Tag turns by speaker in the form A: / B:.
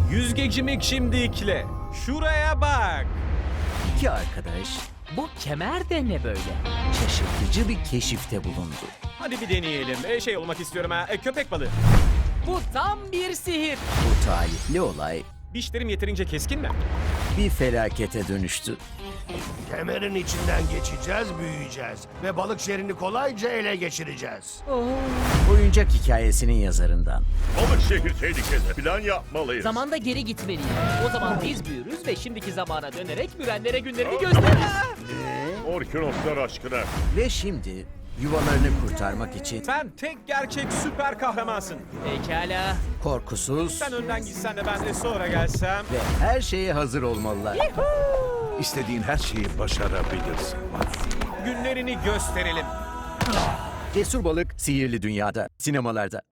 A: Yüzgecimi şimdikle. Şuraya bak.
B: İki arkadaş
C: Bu kemer de ne böyle?
B: şaşırtıcı bir keşifte bulundu.
A: Hadi bir deneyelim. Şey olmak istiyorum ha. Köpek balığı.
C: Bu tam bir sihir.
B: Bu talihli olay
A: Dişlerim yeterince keskin mi?
B: bir felakete dönüştü.
D: Kemerin içinden geçeceğiz, büyüyeceğiz ve balık şehrini kolayca ele geçireceğiz.
B: Oyuncak hikayesinin yazarından
E: Balık şehir tehlikede. Plan yapmalıyız.
C: Zamanda geri gitmeliyim. O zaman biz büyürüz ve şimdiki zamana dönerek mürenlere günlerini gösteririz.
E: Orkinoslar aşkına.
B: ve şimdi yuvalarını kurtarmak için
A: Sen tek gerçek süper kahramansın.
C: Pekala.
B: korkusuz
A: Sen önden gitsen de ben de sonra gelsem.
B: ve her şeye hazır olmalılar.
F: İstediğin her şeyi başarabilirsin.
A: Günlerini gösterelim.
B: Cesur Balık Sihirli Dünya'da sinemalarda.